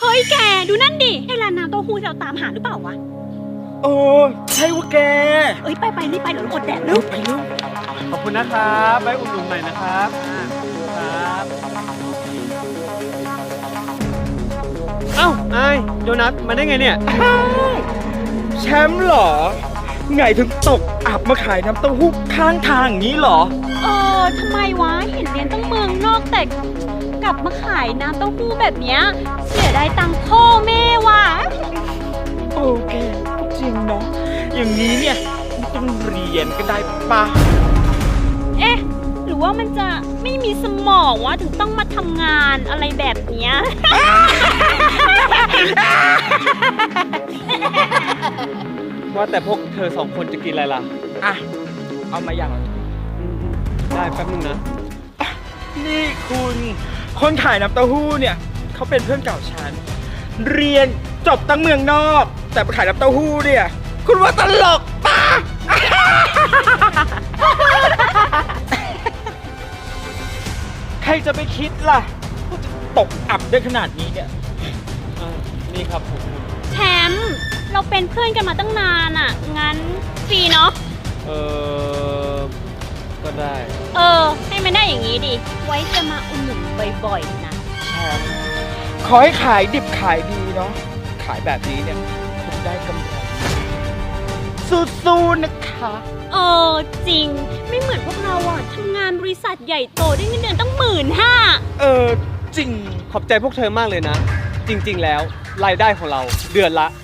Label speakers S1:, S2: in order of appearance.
S1: ฮ้ยแกดูนั่นดิไอ้ร้านน้ำเต้าหู้ที่เราตามหาหรือเปล่าวะ
S2: โอ้ใช่ว่าแก
S1: เอ้ยไปรีบไปเดี๋ยวเราอดแดดแล้ว
S2: ไปลูก
S3: ขอบคุณนะครับไว้อุ่นๆใหม่นะครับครับเอ้าไอโดนัทมาได้ไงเนี่ย
S2: แชมป์เหรอ ไงถึงตกอับมาขายน้ำเต้าหู้ข้างทางอย่างนี้เหรอ
S1: ทำไมวะเห็นเรียนตั้งเมืองนอกแต่กลับมาขายน้ำเต้าหู้แบบเนี้ยเสียดายตังค์พ่อแม่ว่ะ
S2: โอเคจริงเนาะอย่างนี้เนี่ยไม่ต้องเรียนก็ได้ปะ
S1: เอ๊ะหรือว่ามันจะไม่มีสมองวะถึงต้องมาทำงานอะไรแบบเนี้ย
S3: ว่าแต่พวกเธอสองคนจะกินอะไรล่ะ
S2: อ่ะ เอามาอย่าง
S3: ได้แป๊บนึงนะ
S2: นี่คุณคนขายน้ำเต้าหู้เนี่ยเขาเป็นเพื่อนเก่าฉัน เรียนจบตั้งเมืองนอก แต่มาขายน้ำเต้าหู้เนี่ย คุณว่าตลกปะ ใครจะไปคิดล่ะว่าจะตกอับได้ขนาดนี้เนี่ย
S3: นี่ครับผม
S1: แชมป์เราเป็นเพื่อนกันมาตั้งนานอ่ะ งั้นฟรีเนาะ
S3: เออก็ได้
S1: ให้มันได้อย่างนี้ดิ ไว้จะมาอุดหนุนบ่อยๆนะ
S2: แชมป์ขอให้ขายดิบขายดีเนาะ ขายแบบนี้เนี่ยคุณได้กำไรสู้ๆนะคะ
S1: จริง ไม่เหมือนพวกเราอ่ะทำงานบริษัทใหญ่โตได้เงินเดือนตั้ง
S2: จ
S1: 15,000
S2: ริง
S3: ขอบใจพวกเธอมากเลยนะ จริงๆแล้วรายได้ของเราเดือนละ